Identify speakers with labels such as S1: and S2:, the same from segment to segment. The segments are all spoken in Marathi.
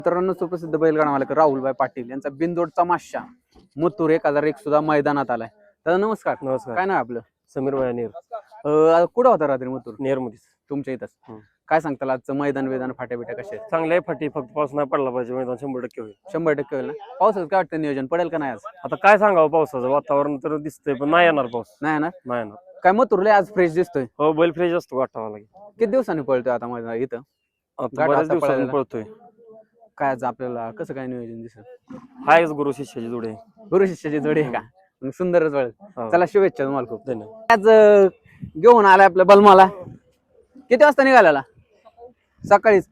S1: मित्रांनो, सुप्रसिद्ध बैलगाडा मालक राहुलभाई पाटील यांचा बिनजोडचा माशा मुतूर 1001 सुद्धा मैदानात आलाय. तर नमस्कार.
S2: नमस्कार.
S1: काय नाव आपलं?
S2: समीर भाई नेर.
S1: कुठं होता रात्री मुतूर?
S2: नेरमध्येच.
S1: तुमच्या इथंच. काय सांगताल आजचं मैदान वेदान फाट्या बिट्या कसे आहेत?
S2: चांगले आहे फाटी, फक्त पाऊस नाही पडला पाहिजे, मैदान 100% होईल.
S1: 100% होईल ना? पावसाचं काय वाटतं, नियोजन पडेल का नाही आज?
S2: आता काय सांगावं, पावसाचं वातावरण तर दिसतंय पण नाही येणार पाऊस.
S1: नाही ना?
S2: नाही येणार.
S1: काय मुतूरला आज फ्रेश दिसतोय?
S2: हो, बैल फ्रेश असतो वाटावा लागेल.
S1: किती दिवसांनी पळतोय आता मैदान इथं?
S2: आता बऱ्याच दिवसांनी पळतोय.
S1: काय आज आपल्याला कसं काय नियोजन दिसेल?
S2: हायच गुरु शिष्याची जोडी आहे.
S1: गुरु शिष्याची जोडी आहे का? मग सुंदरच पळेल. चला, शुभेच्छा तुम्हाला खूप.
S2: धन्यवाद.
S1: आज घेऊन आलाय आपल्या बलमाला. किती वाजता निघालेला? सकाळीच.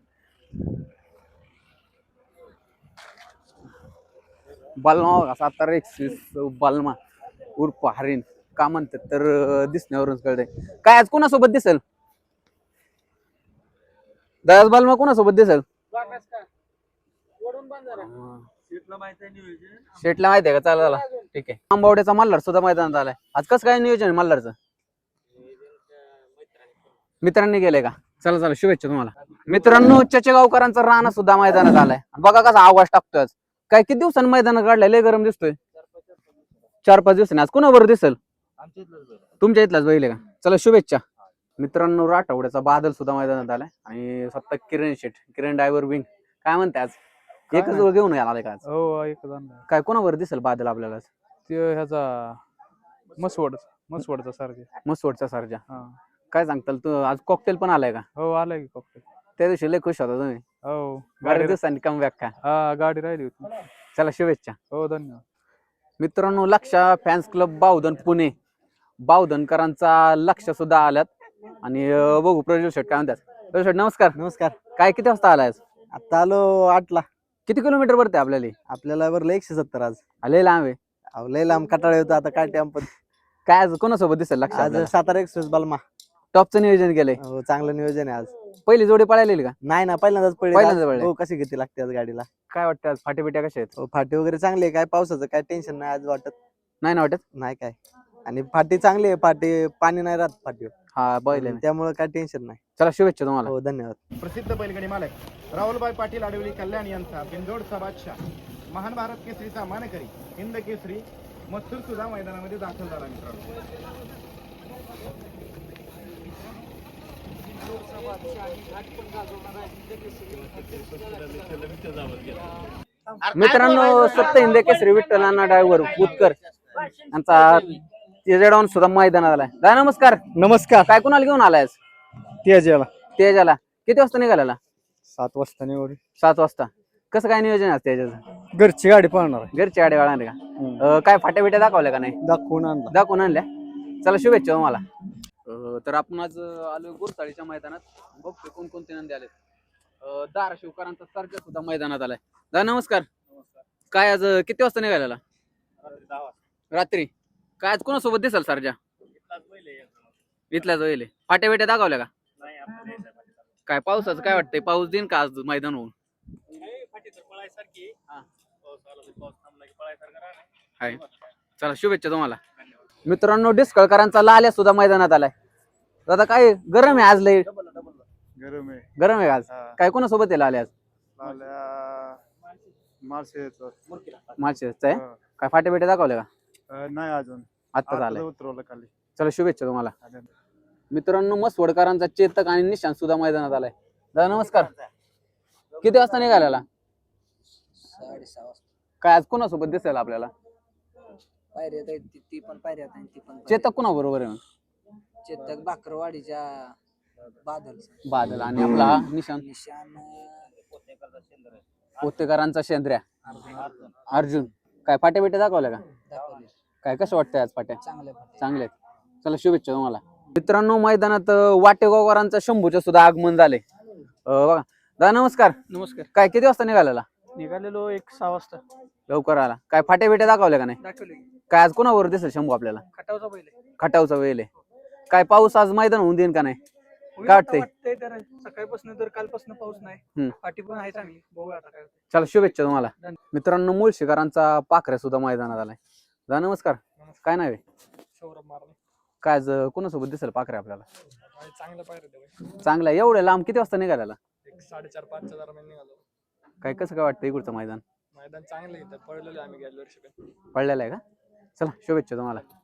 S1: बलमा 721 बलमा उर्फ हरिण का म्हणतात तर दिसण्यावरून कळतंय. काय आज कोणासोबत दिसेल दयाज? बलमा कोणासोबत दिसेल? शेटला माहिती आहे का? चला ठीक आहे. आंबावड्याचा मल्हार सुद्धा मैदानात आलाय. आज कसं काय नियोजन आहे मल्हारचं? मित्रांनी गेले का? चला चला, शुभेच्छा तुम्हाला. मित्रांनो, चचेगावकरांचा राणा सुद्धा मैदानात आलाय. बघा कसा आवाज टाकतोय. आज काय किती दिवसांनी मैदानात काढलाय? लय गरम दिसतोय. 4-5 दिवसांनी. आज कोणाबरोबर दिसेल? तुमच्या इथलाच बैल आहे का? चला, शुभेच्छा. मित्रांनो, राठवड्याचा बादल सुद्धा मैदानात आलाय आणि स्वतः किरण ड्रायव्हर विंग. काय म्हणते आज? एकच जोड घेऊन आलाय का आज?
S3: हो, एकच
S1: काय कोणावर दिसेल बादल आपल्याला?
S3: ते ह्याचा मसवडचा सारखा.
S1: मसवडचा सारजा. काय सांगताल तू? आज कॉकटेल पण आलाय का?
S3: हो, आलाय की कॉकटेल.
S1: त्या दिवशी लय खुश होता तुम्ही.
S3: हो,
S1: बऱ्याच दिवसांनी कमबॅक का?
S3: हा, गाडी राहिली होती.
S1: चला, शुभेच्छा.
S3: हो, धन्यवाद.
S1: मित्रांनो, लक्षा फॅन्स क्लब बावधन पुणे, बावधनकरांचा लक्ष सुद्धा आल्यात आणि बघू प्रज्वल शेट काय म्हणतात. प्रज्वल शेट, नमस्कार.
S4: नमस्कार.
S1: काय किती वाजता आलाय?
S4: आता आलो 8ला.
S1: किती किलोमीटर वरती आपल्याला?
S4: आपल्याला बरं 170 आज.
S1: लय लांब आहे.
S4: अहो, लय लांब कटाळे होतं. आता काय टाइम पण.
S1: काय आज कोणासोबत दिसेल लक्ष?
S4: आज सातारा एक्सप्रेस बलमा.
S1: टॉपचं नियोजन केलंय.
S4: हो, चांगलं नियोजन आहे आज.
S1: पहिली जोडी पळालेली का?
S4: नाही ना, पहिल्यांदाच
S1: पहिल्यांदाच
S4: पडली.
S1: पळली.
S4: हो, कशी किती लागते आज गाडीला?
S1: काय वाटतं आज फाटे बिट्या कशा आहेत?
S4: हो, फाटी वगैरे चांगली आहे. काय पावसाचं काय टेन्शन नाही आज वाटत.
S1: नाही ना वाटत?
S4: नाही काय. आणि फाटी चांगली आहे. फाटी पाणी नाही राहत फाटीवर.
S1: हा, बैल आहे.
S4: त्यामुळे काय टेन्शन नाही.
S1: चला, शुभेच्छा तुम्हाला.
S4: हो, धन्यवाद.
S5: प्रसिद्ध बैलगाडी मालक राहुलभाई पाटील आडवली कल्याण यांचा बिनजोडचा बादशाह, महान भारत केसरीचा मानकरी, हिंद केसरी मथुर सुद्धा मैदानामध्ये दाखल झाला.
S1: मित्रांनो, सप्त हिंद केसरी विठ्ठलांना ड्रायव्हर उत्कर यांचा तेजडाऊन सुद्धा मैदानात आलाय. दादा, नमस्कार.
S4: नमस्कार.
S1: काय कोणाला घेऊन आलाय? तेजाला. किती वाजता निघाला?
S4: 7 वाजता निवड.
S1: 7 वाजता. कसं काय नियोजन आहे तेजाचं?
S4: घरची गाडी पळणार.
S1: घरची गाडी वाळणार का? काय फाट्या बिट्या दाखवल्या का नाही? दाखवून आणल्या. चला, शुभेच्छा तुम्हाला. तर आपण आज आलो गुरसाळीच्या मैदानात. बघतोय कोणकोणते नंदी आले. धाराशिवकरांचा सर्जा सुद्धा मैदानात आलाय. दादा, नमस्कार. काय आज किती वाजता निघालेला? रात्री. काय आज कोणासोबत दिसाल सर्जा? इथल्याच वेळेला. फाट्या बिट्या दाखवल्या का? काय पावसाचं काय वाटतंय? पाऊस देईन का आज मैदान होऊन? हाय. चला, शुभेच्छा तुम्हाला. मित्रांनो, डिस्कळकरांचा लाल्या सुद्धा मैदानात आलाय. दादा, काय गरम आहे आज? लय गरम आहे आज. काय कोणासोबत आहे लाल्या आज? माळशेजचा आहे. काय फाट्या बिट्या दाखवल्या का?
S5: नाही अजून.
S1: आत्ताच आलाय.
S5: उतरवलं खाली.
S1: चला, शुभेच्छा तुम्हाला. मित्रांनो, मसवडकरांचा चेतक आणि निशांत सुद्धा मैदानात आलाय. दादा, नमस्कार. किती वाजता निघालेला?
S6: 6:30
S1: काय आज कोणासोबत दिसेल आपल्याला?
S6: ती पण पायऱ्यात आणि ती पण
S1: चेतक कोणा बरोबर आहे?
S6: चेतक बाकरवाडीच्या
S1: बादल आणि आपला निशांत पोतेकरांचा शेंद्र्या अर्जुन. काय फाट्या बिट्या दाखवल्या का?
S6: दाखवले.
S1: काय कसं वाटतंय आज फाट्या?
S6: चांगले.
S1: चला, शुभेच्छा तुम्हाला. मित्रांनो, मैदानात वाटेगावकरांचा शंभूचं सुद्धा आगमन झाले. बघा. दादा, नमस्कार.
S3: नमस्कार.
S1: काय किती वाजता निघालेला?
S3: निघालेलो 6 वाजता.
S1: लवकर आला. काय फाट्या बिट्या दाखवल्या का नाही?
S3: दाखवले.
S1: काय आज कोणावर दिसेल शंभू आपल्याला?
S3: खटावचा पहिले.
S1: खटावचा वेळ आहे. काय पाऊस आज मैदान होऊन देईन का नाही? काय वाटतंय?
S3: तर सकाळपासून तर कालपासून पाऊस नाही. फाटी पण आहे चांगली. बघू आता काय.
S1: चला, शुभेच्छा तुम्हाला. मित्रांनो, मुळशीकरांचा पाखऱ्या सुद्धा मैदानात आलाय. दादा, नमस्कार. काय नाव आहे?
S3: सौरभ मारले.
S1: काय आज कोणासोबत दिसेल पाखऱ्या आपल्याला?
S3: चांगलं पाहिजे.
S1: चांगला. एवढ्या लांब किती वाजता निघालेला?
S3: 4:30-5 दरम्यान निघालो.
S1: काय कसं काय वाटतं इकडचं मैदान
S3: मैदान चांगलं आहे पळलेलं आम्ही गेल्या वर्षी
S1: पडलेलं आहे का? चला शुभेच्छा तुम्हाला.